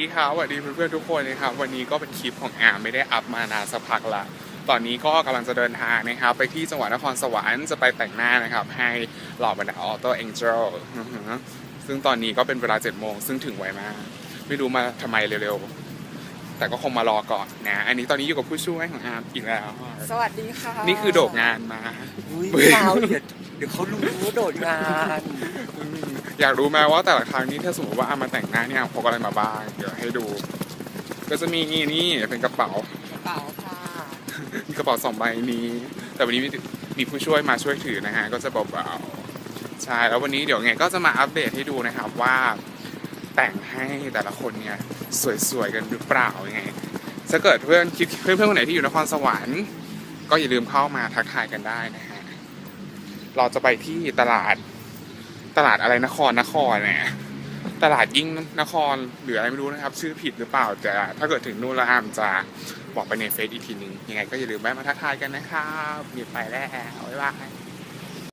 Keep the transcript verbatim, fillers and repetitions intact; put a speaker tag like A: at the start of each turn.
A: ครับสวัสดีเพื่อนๆทุกคนนะครับวันนี้ก็เป็นคลิปของอาร์มไม่ได้อัพมานานสักพักละตอนนี้ก็กำลังจะเดินทางนะครับไปที่จังหวัดนครสวรรค์จะไปแต่งหน้านะครับให้เหล่าบรรดาออโต้เอ็นเจลซึ่งตอนนี้ก็เป็นเวลาเจ็ดโมงซึ่งถึงไวมากไม่รู้มาทำไมเร็วๆแต่ก็คงมารอก่อนนะอันนี้ตอนนี้อยู่กับผู้ช่วยของอาร์มอีกแล้ว
B: สวัสดีค่ะ
A: นี่คือโดดงานมา
B: อุ้ยเปล่าเดี๋ยวเดี๋ยวเขารู้ว่าโดดงาน
A: อยากรู้ไหมว่าแต่ละครั้งนี้ถ้าสมมติว่าอามาแต่งหน้าเนี่ยพกอะไรมาบ้างเดี๋ยวให้ดู ก็จะมีนี่เป็นกระเป๋าก
B: ระเป๋าค่ะ
A: มีกระเป๋าสองใบนี้ แต่วันนี้มีมีผู้ช่วยมาช่วยถือนะฮะก็จะเบาๆใช่แล้ววันนี้เดี๋ยวไงก็จะมาอัปเดตให้ดูนะครับว่าแต่งให้แต่ละคนเนี่ยสวยๆกันหรือเปล่ายังไงถ้าเกิดเพื่อนคิดเพื่อนๆคนไหนที่อยู่นครสวรรค์ก็อย่าลืมเข้ามาทักทายกันได้นะฮะเราจะไปที่ตลาดตลาดอะไรนครนครเนี่ยตลาดยิ่งนครหรืออะไรไม่รู้นะครับชื่อผิดหรือเปล่าแต่ถ้าเกิดถึงนู่นแล้วอามจะบอกไปในเฟซอีกทีนึงยังไงก็อย่าลืมแวะมาทักทายกันนะครับมีไปแล้วบ๊ายบาย